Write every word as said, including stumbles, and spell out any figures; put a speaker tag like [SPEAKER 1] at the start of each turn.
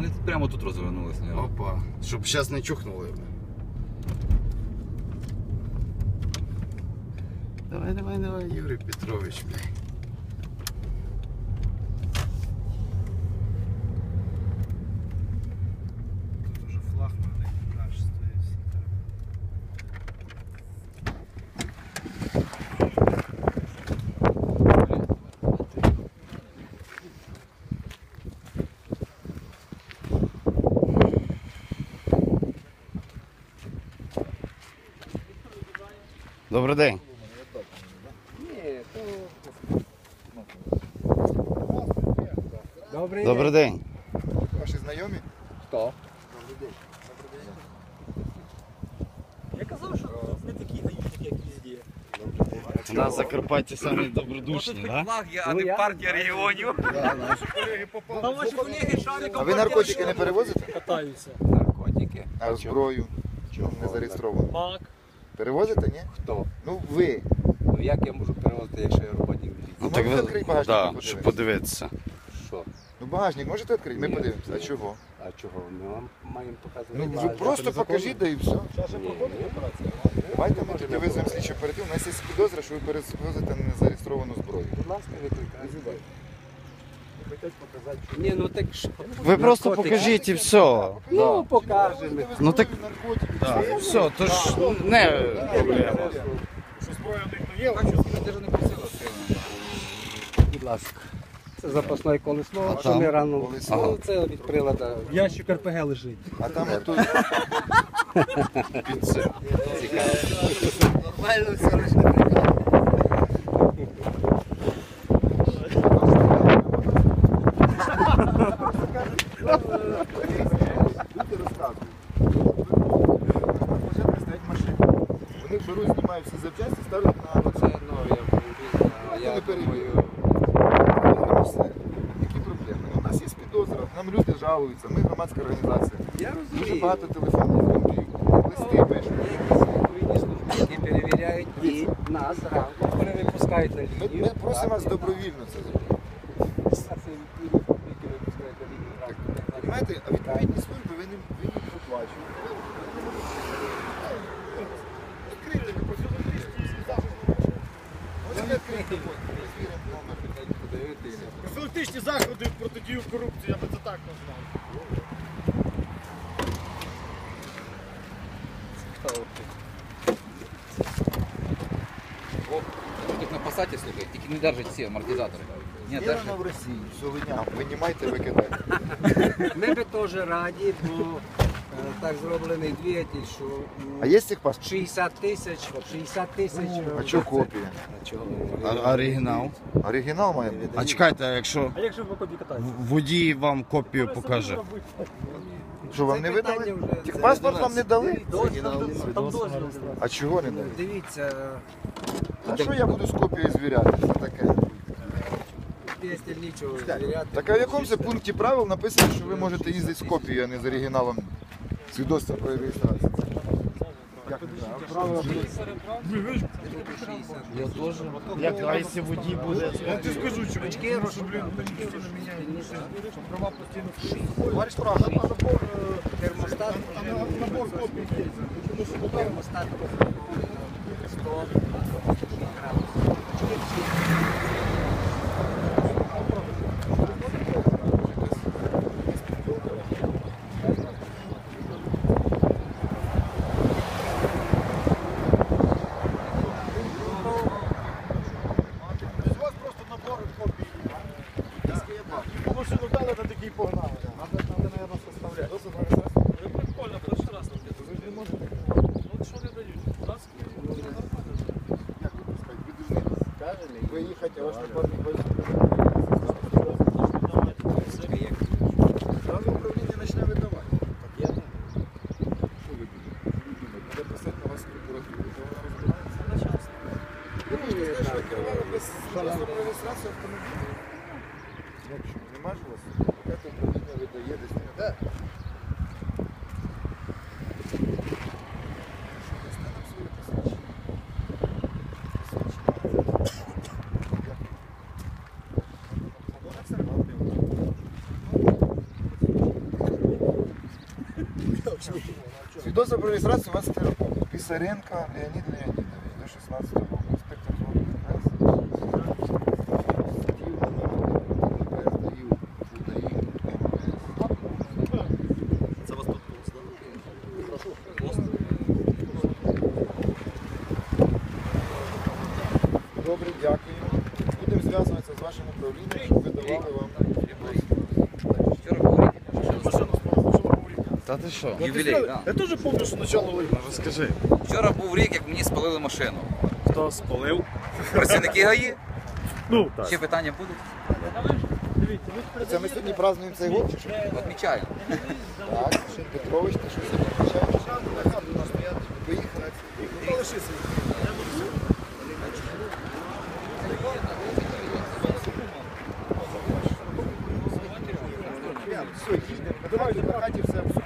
[SPEAKER 1] Вони прямо тут розвернулися.
[SPEAKER 2] Опа, щоб зараз не чухнули. Давай, давай, давай, Юрій Петрович, блядь.
[SPEAKER 3] Тут уже флагман наш стоїть.
[SPEAKER 2] Добрий день.
[SPEAKER 4] Добрий,
[SPEAKER 2] Добрий
[SPEAKER 4] день.
[SPEAKER 2] день.
[SPEAKER 5] Ваші знайомі?
[SPEAKER 4] Хто?
[SPEAKER 5] Добрий день.
[SPEAKER 4] Я казав, що не такі гаїшники, як везде.
[SPEAKER 2] У нас Закарпаття самі добродушні, так?
[SPEAKER 1] Флаг є, а
[SPEAKER 4] Ну,
[SPEAKER 1] не
[SPEAKER 4] я-
[SPEAKER 1] партія регіонів.
[SPEAKER 4] Там ваші колеги шариком
[SPEAKER 5] А ви наркотики не перевозите?
[SPEAKER 4] катаються.
[SPEAKER 1] Наркотики.
[SPEAKER 5] А зброю? Чому не зареєстровано?
[SPEAKER 4] Мак.
[SPEAKER 5] Перевозите, ні?
[SPEAKER 1] Хто?
[SPEAKER 5] Ну ви.
[SPEAKER 1] Ну як я можу перевозити, якщо я роботник міліції?
[SPEAKER 5] Ну,
[SPEAKER 2] так
[SPEAKER 5] можете відкрити багажник?
[SPEAKER 2] да,
[SPEAKER 5] подивитися?
[SPEAKER 2] щоб подивитися.
[SPEAKER 1] Що?
[SPEAKER 5] Ну багажник можете відкрити? Ми подивимося. А чого?
[SPEAKER 1] А чого? Ми вам маємо показувати.
[SPEAKER 5] Ну ви
[SPEAKER 1] багажник.
[SPEAKER 5] просто покажіть, да і все.
[SPEAKER 1] Ні.
[SPEAKER 5] Давайте ми тоді визовемо слідчу оперативну. У нас є підозра, що ви перевозите незареєстровану зброю.
[SPEAKER 1] Будь ласка, викликайте. Ні, ну так що?
[SPEAKER 2] Ви просто
[SPEAKER 1] Наркотики.
[SPEAKER 2] покажіть і все.
[SPEAKER 1] Ну, покажемо.
[SPEAKER 2] Ну так,
[SPEAKER 5] Наркотики.
[SPEAKER 2] да, все, то ж не проблема.
[SPEAKER 1] Будь ласка. Це запасне колесо,
[SPEAKER 2] А
[SPEAKER 1] що
[SPEAKER 2] там?
[SPEAKER 1] ми рано.
[SPEAKER 5] Колесо.
[SPEAKER 1] Ну, це від прилада.
[SPEAKER 4] Ящик РПГ лежить.
[SPEAKER 5] А там отут
[SPEAKER 2] Під це.
[SPEAKER 1] Цікаво. Нормально все лише.
[SPEAKER 5] люди розказують. Стоять машини. Вони беруть, знімають всі запчасті, ставлять на
[SPEAKER 1] Це, ну, я
[SPEAKER 5] Я
[SPEAKER 1] я
[SPEAKER 5] не
[SPEAKER 1] думаю,
[SPEAKER 5] перевірю. Все. Які проблеми? У нас є підозра, нам люди жалуються, ми громадська організація.
[SPEAKER 1] я
[SPEAKER 5] Дуже
[SPEAKER 1] розумію.
[SPEAKER 5] багато телефонних дзвінків, листи пишуть.
[SPEAKER 1] Є якісь відповідні служби, які перевіряють і нас ранку перевипускають на
[SPEAKER 5] Ми,
[SPEAKER 1] лінію.
[SPEAKER 5] ми просимо вас добровільно це зробити. Понимаєте, а відповідні служби ви не, ви не проплачуєте. Відкрийте, ви Можете відкрити, ми звіримо номер.
[SPEAKER 3] Профілактичні заходи протидію корупції, я би це так назвав.
[SPEAKER 1] Тут на посаді, слухай, тільки не держать ці амортизатори. Ні,
[SPEAKER 5] Вірено в Росії, все виняв, винімайте, викидайте.
[SPEAKER 6] Ми би теж раді, бо е, так зроблений двигатель, що м,
[SPEAKER 5] А є цих паспорт?
[SPEAKER 6] шістдесят тисяч, шістдесят тисяч.
[SPEAKER 5] А чого копія?
[SPEAKER 6] А чого?
[SPEAKER 2] А- Оригінал.
[SPEAKER 5] Оригінал має бути.
[SPEAKER 2] А чекайте, а якщо
[SPEAKER 4] А як же ви по копі катаєтесь?
[SPEAKER 2] в- водій вам копію покаже?
[SPEAKER 5] Що, вам
[SPEAKER 6] Це
[SPEAKER 5] не
[SPEAKER 6] питання
[SPEAKER 5] видали?
[SPEAKER 6] вже-
[SPEAKER 5] Тих
[SPEAKER 6] це
[SPEAKER 5] паспорт
[SPEAKER 6] до
[SPEAKER 5] вам
[SPEAKER 6] нас.
[SPEAKER 5] не дали?
[SPEAKER 4] Там дозвіл.
[SPEAKER 5] А чого не дали?
[SPEAKER 6] Дивіться,
[SPEAKER 5] А що я буду з копією звіряти? Це таке.
[SPEAKER 6] двигатель нічого звіряти.
[SPEAKER 5] Так а в якому це пункті правил написано, що ви можете їздити з копією, а не з оригіналом свідоцтва про реєстрацію? Як це? А правила
[SPEAKER 2] Я теж. Як, а якщо водій буде?
[SPEAKER 3] Я ти скажу, що
[SPEAKER 6] Очки,
[SPEAKER 3] що, блін, постійно міняють, що права постійно.
[SPEAKER 5] Товариш прав.
[SPEAKER 6] Термостат.
[SPEAKER 3] Набор копій є.
[SPEAKER 6] Термостат. сто
[SPEAKER 3] У вас просто набор копій. Йому машину дали, та такий погнали. Надо, надо, наверное, составляти.
[SPEAKER 4] Прикольно, перший раз нам где-то.
[SPEAKER 3] Ви ж не можете.
[SPEAKER 4] Ну що не дають?
[SPEAKER 5] Як ви пускаєте? Ви должны виїхати, а ваш напарник виїхати. Сразу управління почне видавати. Що ви думаєте? Треба писати на вас прокуратуру, то вона розбирається. Ви можете сказати, що ви керували без свідоцтва про реєстрацію автомобіля? Як що? Нема ж у вас? Яке управління видає десь? Де? Дасте нам своє посвідчення? Посвідчення.
[SPEAKER 4] точні.
[SPEAKER 5] Свідоцтво про реєстрацію вести роботу. Писаренко Леонід Леонідович до шістнадцятого року. Інспектор зони ДПС.
[SPEAKER 4] Це вас тут пост, так? Пост.
[SPEAKER 5] Добре, дякую. Будемо зв'язуватися з вашим управлінням, щоб видавали вам
[SPEAKER 1] Вчора був рік.
[SPEAKER 3] Машину спалили, машину був рік.
[SPEAKER 2] Та ти що?
[SPEAKER 1] Ювілей,
[SPEAKER 3] Я
[SPEAKER 1] да.
[SPEAKER 3] теж пам'ятаю, що начало липня.
[SPEAKER 2] Ну розкажи.
[SPEAKER 1] Вчора був рік, як мені спалили машину.
[SPEAKER 4] Хто спалив?
[SPEAKER 1] Працівники ГАІ?
[SPEAKER 3] Ну, так.
[SPEAKER 1] Ще питання будуть?
[SPEAKER 5] Це ми сьогодні празднуємо цей год, чи що?
[SPEAKER 1] Відмічаю.
[SPEAKER 5] Так, ще Петрович, ти щось відмічаєш? Поїхали.
[SPEAKER 3] Ну, лишися.
[SPEAKER 5] Все, їдемо. Давайте на хаті все обсудимо.